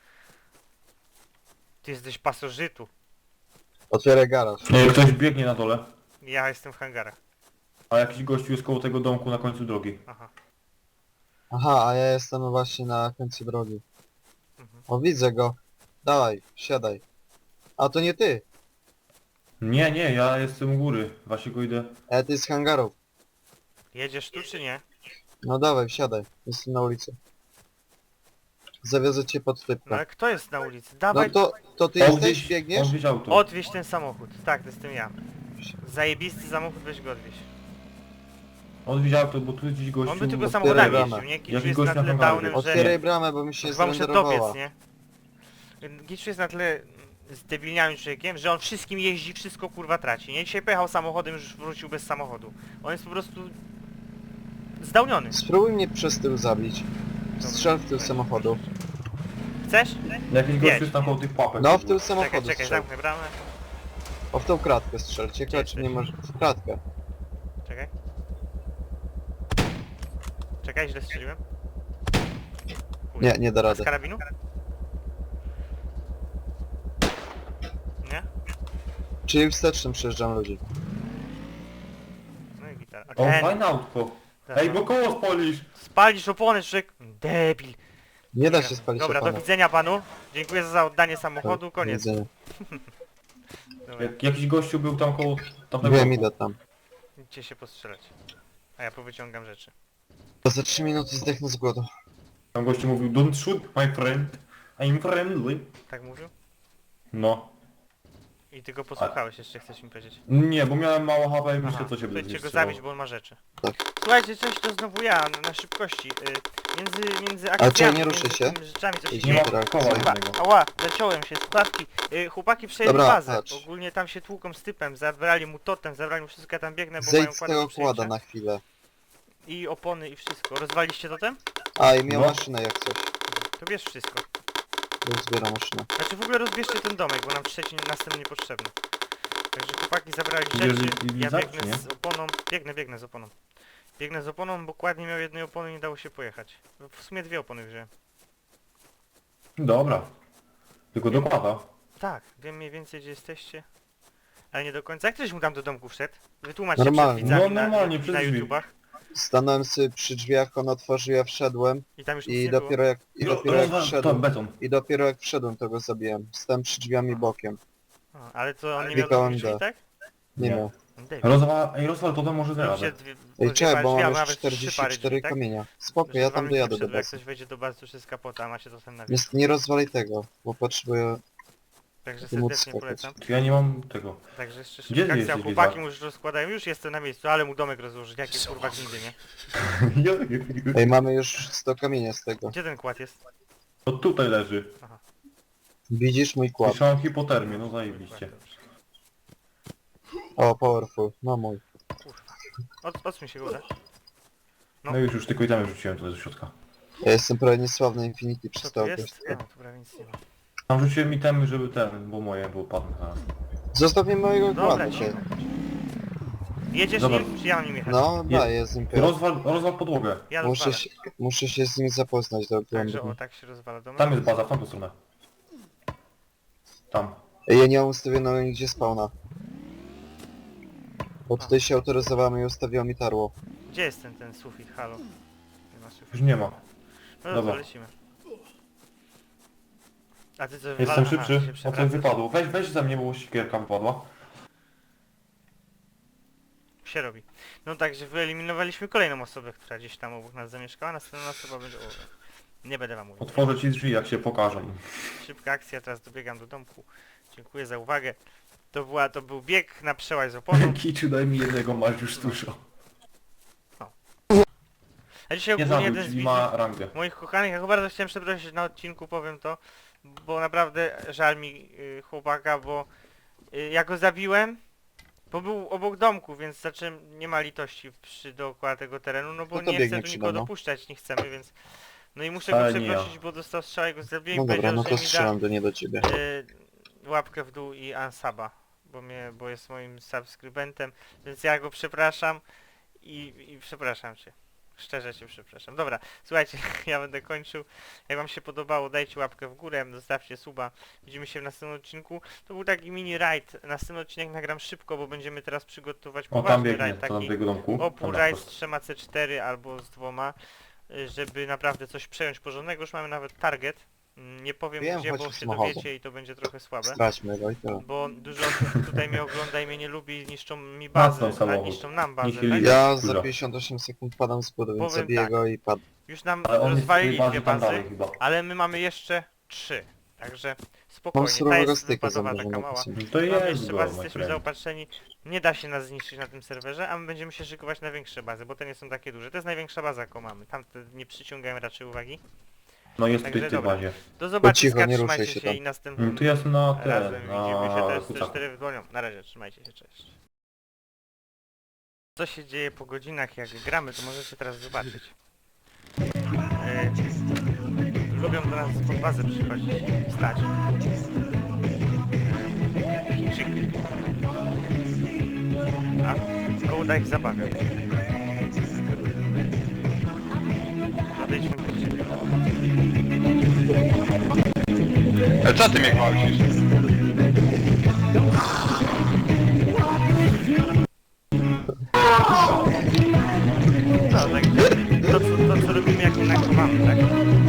[SPEAKER 1] Ty jesteś pasożytu.
[SPEAKER 2] Otwieraj garaż.
[SPEAKER 3] Ej, ktoś biegnie na dole,
[SPEAKER 1] Ja jestem w hangarach.
[SPEAKER 3] a jakiś gościu jest koło tego domku na końcu drogi.
[SPEAKER 1] Aha.
[SPEAKER 2] Aha, a ja jestem właśnie na końcu drogi.
[SPEAKER 1] Mhm.
[SPEAKER 2] O, widzę go. Dawaj, siadaj. A to nie ty.
[SPEAKER 3] Nie, nie, ja jestem u góry, właśnie go idę.
[SPEAKER 2] E, ty z hangarów.
[SPEAKER 1] Jedziesz tu czy nie?
[SPEAKER 2] No dawaj, wsiadaj. Jestem na ulicy. Zawiozę cię pod
[SPEAKER 1] No
[SPEAKER 2] typkę.
[SPEAKER 1] ale kto jest na ulicy?
[SPEAKER 2] No
[SPEAKER 1] Dawaj,
[SPEAKER 2] to, to ty
[SPEAKER 3] On
[SPEAKER 2] jesteś?
[SPEAKER 3] gdzieś,
[SPEAKER 2] Biegniesz?
[SPEAKER 3] on gdzieś auto.
[SPEAKER 1] odwieź ten samochód. Tak, to jestem ja. Zajebisty samochód, weź go odwieź.
[SPEAKER 3] On gdzieś auto, bo tu jest gdzieś gościu.
[SPEAKER 1] On by tylko
[SPEAKER 2] otwieraj
[SPEAKER 1] samochodami
[SPEAKER 2] bramę.
[SPEAKER 1] jeździł, nie? Kiczu
[SPEAKER 3] Jaki
[SPEAKER 1] jest
[SPEAKER 3] gość
[SPEAKER 1] na
[SPEAKER 3] na
[SPEAKER 1] tyle
[SPEAKER 3] hangarze?
[SPEAKER 1] downem, że...
[SPEAKER 2] Otwieraj bramę, bo mi się
[SPEAKER 1] Chyba muszę
[SPEAKER 2] zrenderowała.
[SPEAKER 1] dobiec, nie? Giczu jest na tyle zdebilniałym człowiekiem, że on wszystkim jeździ, wszystko kurwa traci, nie? Dzisiaj pojechał samochodem, już wrócił bez samochodu. On jest po prostu... zdałniony.
[SPEAKER 2] Spróbuj mnie przez tył zabić. Strzel w tył samochodu.
[SPEAKER 1] Chcesz?
[SPEAKER 3] Jakiś
[SPEAKER 1] Jedź.
[SPEAKER 3] gościu jest tam koło tych papek.
[SPEAKER 2] No w tył
[SPEAKER 1] Czekaj,
[SPEAKER 2] samochodu
[SPEAKER 1] czekaj,
[SPEAKER 2] strzel.
[SPEAKER 1] zamknę bramę.
[SPEAKER 2] O, w tą kratkę strzel. Ciekawe
[SPEAKER 1] Gdzie
[SPEAKER 2] czy nie
[SPEAKER 1] jesteś?
[SPEAKER 2] może... W kratkę.
[SPEAKER 1] Czekaj. Czekaj, źle strzeliłem. Chuj.
[SPEAKER 2] Nie, nie da
[SPEAKER 1] A z
[SPEAKER 2] rady.
[SPEAKER 1] karabinu? Nie?
[SPEAKER 2] Czyli wstecznym przejeżdżam ludzi.
[SPEAKER 1] No i gitara. A
[SPEAKER 3] O,
[SPEAKER 1] ten...
[SPEAKER 3] fajne autko.
[SPEAKER 1] Dobra.
[SPEAKER 3] Ej, bo koło spolisz!
[SPEAKER 1] Spalisz opony, człowiek! Debil!
[SPEAKER 2] Nie da się spalić
[SPEAKER 1] Dobra, do
[SPEAKER 2] opony.
[SPEAKER 1] widzenia panu. Dziękuję za oddanie samochodu,
[SPEAKER 2] Do
[SPEAKER 1] koniec.
[SPEAKER 2] widzenia.
[SPEAKER 1] Dobra,
[SPEAKER 3] Jak, jakiś gościu był tam koło tamtego
[SPEAKER 2] Wiem,
[SPEAKER 3] domku.
[SPEAKER 2] idę tam.
[SPEAKER 1] idźcie się postrzelać. A ja powyciągam rzeczy.
[SPEAKER 2] To za trzy minuty zdechnę z głodu.
[SPEAKER 3] Tam gościu mówił, don't shoot my friend, I'm friendly.
[SPEAKER 1] Tak mówił?
[SPEAKER 3] No.
[SPEAKER 1] I ty go posłuchałeś, jeszcze chcesz mi powiedzieć.
[SPEAKER 3] Nie, bo miałem mało H P i
[SPEAKER 1] Aha,
[SPEAKER 3] myślę, co się
[SPEAKER 1] to
[SPEAKER 3] będzie
[SPEAKER 1] idźcie go
[SPEAKER 3] strzelało.
[SPEAKER 1] zabić, bo on ma rzeczy.
[SPEAKER 2] Tak.
[SPEAKER 1] Słuchajcie, cześć, to znowu ja, na, na szybkości. Y, między, między
[SPEAKER 2] Ale
[SPEAKER 1] akcjami,
[SPEAKER 2] czy nie ruszy
[SPEAKER 1] między
[SPEAKER 2] się?
[SPEAKER 1] tymi rzeczami, co się
[SPEAKER 2] Idź
[SPEAKER 3] Nie
[SPEAKER 1] dzieje.
[SPEAKER 3] ma
[SPEAKER 2] Tak,
[SPEAKER 3] koła
[SPEAKER 2] tak.
[SPEAKER 1] Chyba,
[SPEAKER 3] jednego.
[SPEAKER 1] ała, zaciąłem się, słuchawki. Y, chłopaki przejęli
[SPEAKER 2] Dobra,
[SPEAKER 1] bazę.
[SPEAKER 2] patrz.
[SPEAKER 1] Ogólnie tam się tłuką z typem, zabrali mu totem, zabrali mu wszystko, ja tam biegnę, bo mają
[SPEAKER 2] Zejdź z
[SPEAKER 1] kłady
[SPEAKER 2] tego
[SPEAKER 1] do przejęcia.
[SPEAKER 2] kłada na chwilę.
[SPEAKER 1] I opony i wszystko. Rozwaliście totem?
[SPEAKER 2] A, i miał
[SPEAKER 3] No.
[SPEAKER 2] maszynę jak coś.
[SPEAKER 1] To bierz wszystko.
[SPEAKER 2] Już zbieram maszynę.
[SPEAKER 1] Znaczy w ogóle rozbierzcie ten domek, bo nam trzeci następny niepotrzebny. Także chłopaki zabrali
[SPEAKER 3] Idziesz
[SPEAKER 1] rzeczy,
[SPEAKER 3] i- i
[SPEAKER 1] ja
[SPEAKER 3] lizać,
[SPEAKER 1] biegnę
[SPEAKER 3] czy nie?
[SPEAKER 1] z oponą, biegnę, biegnę z oponą. Biegnę z oponą, bo kładnie miał jednej opony i nie dało się pojechać. W sumie dwie opony wziąłem.
[SPEAKER 3] Dobra. Tylko dokłada.
[SPEAKER 1] Tak, wiem mniej więcej gdzie jesteście. Ale nie do końca. Jak ktoś mu tam do domku wszedł? Wytłumaczcie
[SPEAKER 2] Normalnie.
[SPEAKER 1] przed widzami
[SPEAKER 3] No, normalnie,
[SPEAKER 1] na,
[SPEAKER 3] przez
[SPEAKER 1] na
[SPEAKER 3] drzwi.
[SPEAKER 1] YouTubach.
[SPEAKER 2] Stanąłem sobie przy drzwiach, on otworzył, ja wszedłem
[SPEAKER 1] I tam już nic
[SPEAKER 2] i
[SPEAKER 1] nie
[SPEAKER 2] dopiero jak, i
[SPEAKER 3] No,
[SPEAKER 2] dopiero jak
[SPEAKER 3] rozwal- to
[SPEAKER 2] wszedłem,
[SPEAKER 3] beton.
[SPEAKER 2] i dopiero jak wszedłem, to go zabiłem. Stałem przy drzwiami bokiem.
[SPEAKER 1] było. A, ale to on nie miał
[SPEAKER 2] Klikałem
[SPEAKER 1] drzwi,
[SPEAKER 2] D.
[SPEAKER 1] tak?
[SPEAKER 2] Nie
[SPEAKER 3] Nie.
[SPEAKER 2] miał.
[SPEAKER 1] Debil.
[SPEAKER 3] Rozwal, ej, rozwal to, to może
[SPEAKER 1] Zróbcie
[SPEAKER 3] zaraz.
[SPEAKER 1] dwie-
[SPEAKER 2] Ej, czekaj, bo
[SPEAKER 1] drzwi,
[SPEAKER 2] mam
[SPEAKER 1] albo
[SPEAKER 2] już
[SPEAKER 1] nawet trzy pary
[SPEAKER 2] czterdzieści cztery
[SPEAKER 1] drzwi, tak?
[SPEAKER 2] kamienia. Spoko,
[SPEAKER 1] Żeby
[SPEAKER 2] ja
[SPEAKER 1] wam
[SPEAKER 2] tam
[SPEAKER 1] już
[SPEAKER 2] dojadę
[SPEAKER 1] nie
[SPEAKER 2] do
[SPEAKER 1] wszedł, Jak
[SPEAKER 2] bazy.
[SPEAKER 1] ktoś wejdzie do bazy, to już jest kapota, a macie to ten na
[SPEAKER 2] Nie, nie rozwalaj tego, bo potrzebuję...
[SPEAKER 1] Także
[SPEAKER 2] to móc
[SPEAKER 1] serdecznie
[SPEAKER 2] skakać.
[SPEAKER 1] polecam.
[SPEAKER 3] Ja nie mam tego.
[SPEAKER 1] Także jeszcze
[SPEAKER 3] Gdzie
[SPEAKER 1] szybka
[SPEAKER 3] ty
[SPEAKER 1] akcja,
[SPEAKER 3] jesteś,
[SPEAKER 1] chłopaki
[SPEAKER 3] Liza?
[SPEAKER 1] mu już rozkładają, już jestem na miejscu, ale mu domek rozłożyć, jakie kurwa gnidy, nie?
[SPEAKER 2] Ej, mamy już sto kamienia z tego.
[SPEAKER 1] Gdzie ten kład jest?
[SPEAKER 3] To tutaj leży.
[SPEAKER 2] Widzisz mój kład?
[SPEAKER 3] Słyszałem hipotermię, no zajebiście.
[SPEAKER 2] O, powerful, no mój.
[SPEAKER 1] Kurwa. Od, odsuń się go, uda. No.
[SPEAKER 3] No już, już tylko i tam rzuciłem tutaj do środka.
[SPEAKER 2] Ja jestem prawie niesławny Infinity
[SPEAKER 1] Co
[SPEAKER 2] przez
[SPEAKER 1] tu
[SPEAKER 2] to
[SPEAKER 1] jest?
[SPEAKER 2] okres.
[SPEAKER 1] A, tu prawie nic nie ma.
[SPEAKER 3] Tam rzuciłem itemy, żeby ten, bo moje, bo padły zaraz.
[SPEAKER 2] Zostaw mi mojego
[SPEAKER 1] Dobra,
[SPEAKER 2] kładu,
[SPEAKER 1] cicho.
[SPEAKER 2] ty.
[SPEAKER 1] Jedziesz
[SPEAKER 3] Dobra.
[SPEAKER 1] nim, czy ja mam nim jechać?
[SPEAKER 2] No,
[SPEAKER 3] Je-
[SPEAKER 2] daję z nim piąt.
[SPEAKER 3] Rozwal, rozwal podłogę.
[SPEAKER 1] Ja
[SPEAKER 2] Muszę
[SPEAKER 1] rozwalę.
[SPEAKER 2] się, muszę się z nim zapoznać do
[SPEAKER 1] Także
[SPEAKER 2] głębi.
[SPEAKER 1] o, tak się rozwala domek.
[SPEAKER 3] Tam jest baza, w tamtą stronę. Tam.
[SPEAKER 2] Ej, ja nie mam ustawionego nigdzie spawna. Bo tutaj się autoryzowałem i ustawiło mi tarło.
[SPEAKER 1] Gdzie jest ten, ten sufit, halo? Nie ma sufit.
[SPEAKER 3] Już nie ma.
[SPEAKER 1] No
[SPEAKER 3] Dobra.
[SPEAKER 1] dobra, lecimy. A ty co,
[SPEAKER 3] Jestem
[SPEAKER 1] wywala- aha,
[SPEAKER 3] szybszy.
[SPEAKER 1] się
[SPEAKER 3] O coś
[SPEAKER 1] przewracasz.
[SPEAKER 3] wypadło. Weź, weź ze mnie, bo sikierka wypadła.
[SPEAKER 1] Się robi. No także wyeliminowaliśmy kolejną osobę, która gdzieś tam obok nas zamieszkała, następna osoba będzie... O, nie będę wam mówił.
[SPEAKER 3] Otworzę ci drzwi, jak się pokażą.
[SPEAKER 1] Szybka akcja, teraz dobiegam do domku. Dziękuję za uwagę. To, była, to był bieg na przełaj z oponą.
[SPEAKER 3] Kiciu, daj mi jednego, masz już dużo.
[SPEAKER 1] A dzisiaj
[SPEAKER 3] Nie
[SPEAKER 1] ogólnie
[SPEAKER 3] zabił,
[SPEAKER 1] jeden z
[SPEAKER 3] czyli
[SPEAKER 1] widzów,
[SPEAKER 3] ma rangę.
[SPEAKER 1] moich kochanych, ja go bardzo chciałem przeprosić na odcinku, powiem to, bo naprawdę żal mi y, chłopaka, bo y, ja go zabiłem Bo był obok domku, więc zacząłem, nie ma litości przy dookoła tego terenu, no bo
[SPEAKER 2] No to
[SPEAKER 1] nie
[SPEAKER 2] biegnie
[SPEAKER 1] chcę tu
[SPEAKER 2] przy
[SPEAKER 1] nikogo
[SPEAKER 2] domu.
[SPEAKER 1] dopuszczać, nie chcemy, więc... No i muszę go
[SPEAKER 3] Ale nie ja.
[SPEAKER 1] przeprosić, bo dostał strzał i go zabiłem
[SPEAKER 2] No
[SPEAKER 1] i
[SPEAKER 2] dobra,
[SPEAKER 1] powiedział,
[SPEAKER 2] no
[SPEAKER 1] że
[SPEAKER 2] to
[SPEAKER 1] mi da
[SPEAKER 2] strzelam do nie do ciebie.
[SPEAKER 1] y, łapkę w dół i unsaba, bo mnie, bo jest moim subskrybentem, więc ja go przepraszam i, i przepraszam cię. Szczerze cię przepraszam. Dobra, słuchajcie, ja będę kończył. Jak wam się podobało, dajcie łapkę w górę, zostawcie suba. Widzimy się w następnym odcinku. To był taki mini raid. Następny odcinek nagram szybko, bo będziemy teraz przygotować
[SPEAKER 3] O, tam
[SPEAKER 1] poważny
[SPEAKER 3] biegnie,
[SPEAKER 1] raid.
[SPEAKER 3] to do
[SPEAKER 1] Taki
[SPEAKER 3] tego domku.
[SPEAKER 1] opór
[SPEAKER 3] Tam na
[SPEAKER 1] raid z
[SPEAKER 3] wprost.
[SPEAKER 1] trzema C cztery albo z dwoma, y, żeby naprawdę coś przejąć porządnego. Już mamy nawet target. Mm, Nie powiem
[SPEAKER 2] Wiem,
[SPEAKER 1] gdzie,
[SPEAKER 2] chodź
[SPEAKER 1] bo
[SPEAKER 2] w
[SPEAKER 1] się
[SPEAKER 2] samochodzie.
[SPEAKER 1] dowiecie i to będzie trochę słabe.
[SPEAKER 2] Straćmy go i tyle.
[SPEAKER 1] Bo dużo osób tutaj mnie ogląda i mnie nie lubi i niszczą mi bazę,
[SPEAKER 3] Macną samochód.
[SPEAKER 1] niszczą nam bazę,
[SPEAKER 3] Nihil-
[SPEAKER 1] tak?
[SPEAKER 2] Ja
[SPEAKER 3] Kurwa.
[SPEAKER 2] za pięćdziesiąt osiem sekund padam z budy, więc
[SPEAKER 1] Powiem
[SPEAKER 2] zabiję
[SPEAKER 1] tak.
[SPEAKER 2] go i padł.
[SPEAKER 1] Już nam
[SPEAKER 3] Ale on jest w tej
[SPEAKER 1] rozwalili dwie
[SPEAKER 3] bazie tam
[SPEAKER 1] bazy,
[SPEAKER 3] dalej chyba.
[SPEAKER 1] ale my mamy jeszcze trzy. Także
[SPEAKER 2] Mam
[SPEAKER 1] spokojnie, ta
[SPEAKER 2] surowego
[SPEAKER 1] jest
[SPEAKER 2] styka
[SPEAKER 1] wypadowa taka
[SPEAKER 2] zamrożonego.
[SPEAKER 1] mała.
[SPEAKER 3] No to
[SPEAKER 1] Mamy
[SPEAKER 3] jest
[SPEAKER 1] jeszcze
[SPEAKER 3] go,
[SPEAKER 1] bazy,
[SPEAKER 3] my
[SPEAKER 1] jesteśmy
[SPEAKER 3] friend.
[SPEAKER 1] zaopatrzeni. Nie da się nas zniszczyć na tym serwerze, a my będziemy się szykować na większe bazy, bo te nie są takie duże. To jest największa baza, jaką mamy. Tamte nie przyciągają raczej uwagi.
[SPEAKER 3] No jest
[SPEAKER 1] Także
[SPEAKER 3] w tej
[SPEAKER 1] dobra.
[SPEAKER 3] bazie.
[SPEAKER 1] Do zobaczenia,
[SPEAKER 2] cicho, nie ruszaj
[SPEAKER 1] trzymajcie
[SPEAKER 2] się
[SPEAKER 1] się
[SPEAKER 2] tam.
[SPEAKER 1] i następnym
[SPEAKER 3] No to ja jestem na ten,
[SPEAKER 1] razem widzimy się. To jest C
[SPEAKER 3] na
[SPEAKER 1] cztery w dłonią. Na razie, trzymajcie się, cześć. Co się dzieje po godzinach, jak gramy, to możecie teraz zobaczyć. E, lubią do nas pod bazę przychodzić, stać. E, Chińczyki. A Gołda ich zabawia. Odejdźmy bliżej.
[SPEAKER 4] Ale co ty mnie gwałcisz?
[SPEAKER 1] No, tak, to, co- to co robimy, jak nie nagrywamy, tak?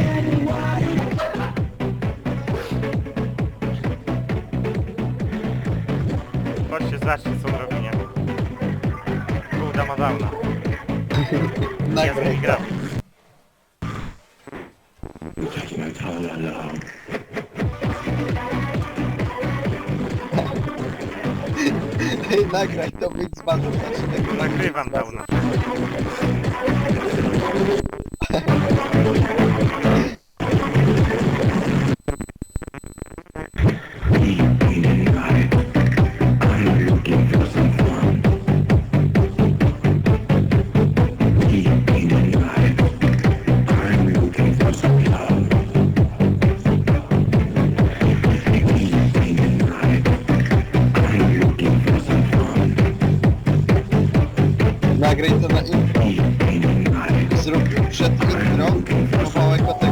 [SPEAKER 1] Chodźcie, zobaczcie, co on robi, nie? Gołda ma downa. Ja z nimi
[SPEAKER 2] Nagraj to.
[SPEAKER 1] gram.
[SPEAKER 2] Ej, nagraj to, wyjdź z bazy, znaczy tego
[SPEAKER 1] Nagrywam downa.
[SPEAKER 2] Nagraj to na intro. Zrób przed intro kawałek o tego